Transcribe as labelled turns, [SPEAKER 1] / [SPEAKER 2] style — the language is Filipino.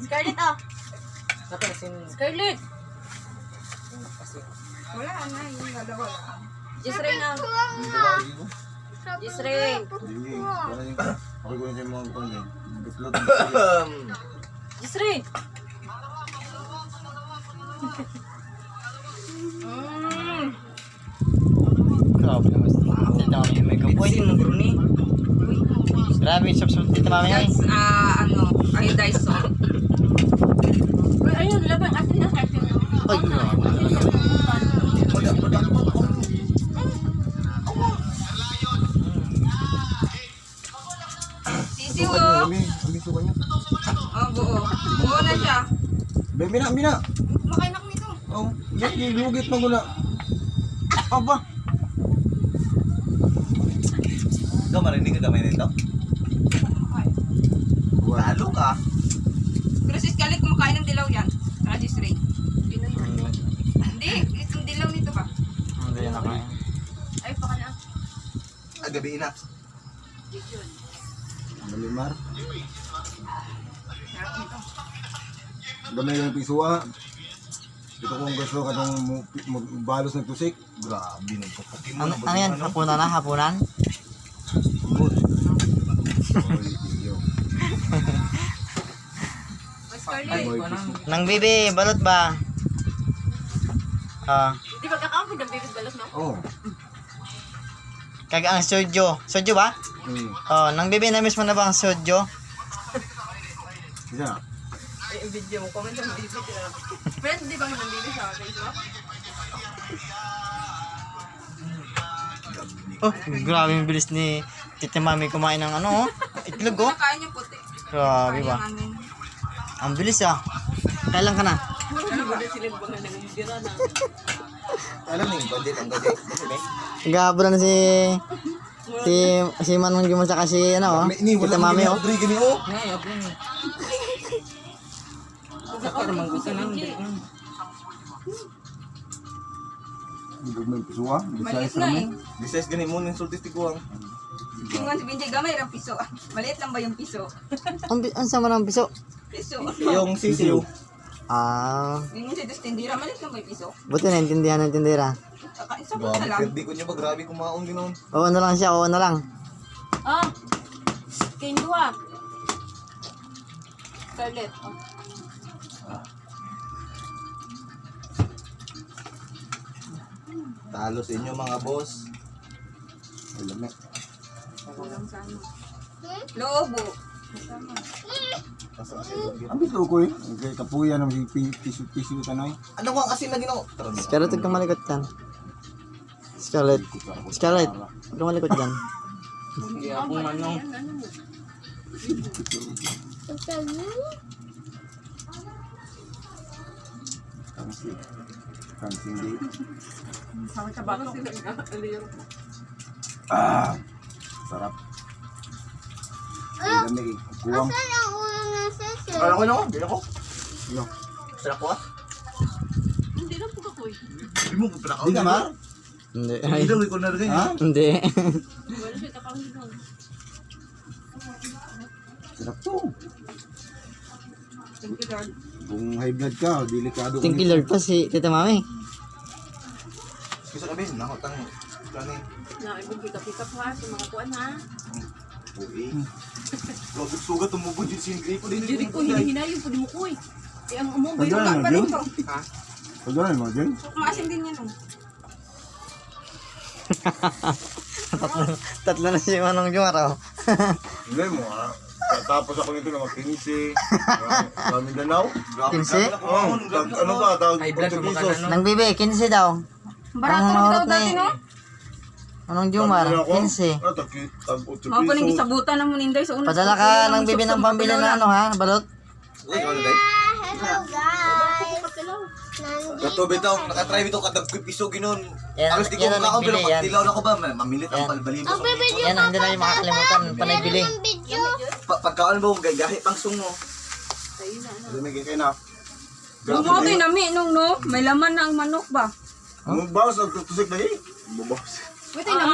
[SPEAKER 1] Scarlett, oh. Scarlett.
[SPEAKER 2] Wala na, yung dalawa lang.
[SPEAKER 1] Jisrain na. Jisrain.
[SPEAKER 3] Okay ko yung mga kuwan eh. Bitlot.
[SPEAKER 1] Jisrain.
[SPEAKER 4] Grabe naman. Tita mami may kapoy. Grabe yung sub tita mami ay.
[SPEAKER 2] That's, iodized salt.
[SPEAKER 1] Uy, ayun, laban. Asin na, asin na.
[SPEAKER 4] Ay, grabe.
[SPEAKER 2] Sisiw,
[SPEAKER 3] Kami suka niya.
[SPEAKER 2] oh, buo. Buo na siya.
[SPEAKER 3] Bina.
[SPEAKER 2] Makainak nito.
[SPEAKER 3] Oh, gilugit mo gula. Aba.
[SPEAKER 5] Ikaw marinig ka gamay nito? Talo ka.
[SPEAKER 2] Pero si Scarlett kumakain ng dilaw yan. Si Ray. Hindi, itong dilaw nito ba?
[SPEAKER 4] Hindi na kaya.
[SPEAKER 1] Ay, baka na.
[SPEAKER 5] Gabi na.
[SPEAKER 3] Malimar.
[SPEAKER 2] Sarap nito.
[SPEAKER 3] Gamay ng pisuwa. Ito kung gusto ka ng balos ng tusik.
[SPEAKER 5] Grabe nung kapukin mo.
[SPEAKER 4] Ano yan? Hapunan na? Hapunan?
[SPEAKER 3] Good. Oy, iyo.
[SPEAKER 1] Scarlett.
[SPEAKER 3] Boy, piso.
[SPEAKER 4] Nang bibi, balot ba?
[SPEAKER 1] Di ba kakampid ng baby's balot, no?
[SPEAKER 3] Oh.
[SPEAKER 4] Kaga ang sojo. Sojo ba? Nang bibi na miss mo na ba ang sojo?
[SPEAKER 3] Isa.
[SPEAKER 2] Ay, video mo. Comment ang video. Friend, di ba yung baby sa Facebook?
[SPEAKER 4] Oh, grabe yung bilis ni tita mami kumain ng ano, itlog oh.
[SPEAKER 2] Nakain yung puti.
[SPEAKER 4] Grabe ba? Ang bilis ah. Kailan ka na?
[SPEAKER 5] Alam mo yung budget ang gadget.
[SPEAKER 4] Gabo na si Manong Jumon saka si ano oh. Tita mami oh.
[SPEAKER 5] Rodrigo ni oh.
[SPEAKER 3] Ibig mo yung pisuwa.
[SPEAKER 2] Maliit
[SPEAKER 3] Bisayas
[SPEAKER 2] na
[SPEAKER 3] mo.
[SPEAKER 2] eh.
[SPEAKER 5] Besides ganun mo ng sultis tiguang.
[SPEAKER 2] Tingnan si Benjay, gamay ng piso. Maliit lang ba yung piso?
[SPEAKER 4] Ang sama ng piso.
[SPEAKER 2] Piso.
[SPEAKER 5] Yung sisiyo.
[SPEAKER 2] Yung si Dustindira, maliit lang ba yung piso?
[SPEAKER 4] Buti naintindihan ng tindera.
[SPEAKER 2] Isa po na
[SPEAKER 5] Grabe,
[SPEAKER 2] lang.
[SPEAKER 5] perdi ko niya ba? Grabe kumaon ginoon.
[SPEAKER 4] Oo na lang siya, oo na lang.
[SPEAKER 1] Ah. Kain dua. Scarlett, oh.
[SPEAKER 5] Talo sa inyo mga boss.
[SPEAKER 3] Alam mo.
[SPEAKER 2] Kulang sa ano. Lobo.
[SPEAKER 3] Ang bito ko eh. Kaya kapuya ng piso tanay.
[SPEAKER 5] Ano ko ang asin na ginawa? Tara na.
[SPEAKER 4] Scarlett, huwag kang malikot dyan. Scarlett, huwag kang malikot dyan.
[SPEAKER 3] Kansindi.
[SPEAKER 2] Sa bato sila.
[SPEAKER 3] Sarap. Ang dami eh. Kuwang.
[SPEAKER 5] Kala ko na ako. Bila ko.
[SPEAKER 3] Yo.
[SPEAKER 5] Sarap ko ah.
[SPEAKER 1] Hindi lang po kapoy.
[SPEAKER 5] Hindi mo pinakaw.
[SPEAKER 3] Di ka ma?
[SPEAKER 4] Hindi.
[SPEAKER 5] Hindi daw ko na rin.
[SPEAKER 3] Ha?
[SPEAKER 4] Hindi.
[SPEAKER 1] Wala siya kakawin doon.
[SPEAKER 3] Sarap to.
[SPEAKER 2] Thank you, Lord.
[SPEAKER 3] Kung high blood ka, delikado ka.
[SPEAKER 4] Thank you Lord pa si tita mami.
[SPEAKER 5] Gusto kami. Nakotang. Plano eh.
[SPEAKER 1] Na, ibang pick-up ha, sa mga kuwan ha.
[SPEAKER 5] Uy. Sugat tumubod yung singri ko din.
[SPEAKER 1] Diri ko, hinahinayin po di mo ko eh. Eh, ang umong ba
[SPEAKER 3] Pagdala
[SPEAKER 1] yun?
[SPEAKER 3] mo dyan?
[SPEAKER 5] Ha?
[SPEAKER 3] Pagdala mo dyan?
[SPEAKER 2] Maasim din yan.
[SPEAKER 4] Tatlo na si Manong Jumar oh.
[SPEAKER 3] Hindi mo ah. Tapos ako nito na mag-15. Mindanao.
[SPEAKER 5] Grabe
[SPEAKER 4] Kinsi?
[SPEAKER 5] ka. Kumaon.
[SPEAKER 3] Ano ba? Tawag Portuguesos.
[SPEAKER 4] Nang bibi, 15 daw.
[SPEAKER 2] Barato
[SPEAKER 4] Ang
[SPEAKER 2] na
[SPEAKER 4] marot
[SPEAKER 2] daw dati,
[SPEAKER 4] ni-
[SPEAKER 2] no?
[SPEAKER 4] Manong Jumar, 15.
[SPEAKER 2] Mga pa nang gisabutan ng muninday sa unang.
[SPEAKER 4] Padala ka ng bibi ng pambili na ano ha, balot.
[SPEAKER 5] Uy, ano dahil?
[SPEAKER 6] Hello guys!
[SPEAKER 5] Gato bitaw, nakatry bitaw kadag ko piso ginon.
[SPEAKER 4] Yan,
[SPEAKER 5] Alos di ko
[SPEAKER 4] yan ang
[SPEAKER 5] makaon pero
[SPEAKER 4] nagbili, yan.
[SPEAKER 5] pagtilaw na ko ba, mamilit ang
[SPEAKER 4] Yan.
[SPEAKER 5] palbalin
[SPEAKER 6] Ang
[SPEAKER 5] ko.
[SPEAKER 6] video
[SPEAKER 4] Yan ang hindi na yung makakalimutan, panay bili.
[SPEAKER 6] ng video.
[SPEAKER 5] Pagkaon mo, gahi pang sung mo.
[SPEAKER 3] Lumigay kayo na.
[SPEAKER 2] Bumotoy na mi nung no, may laman na ang manok ba?
[SPEAKER 3] Ang bawas, nagtutusik na eh. Bubawas.
[SPEAKER 2] Wait,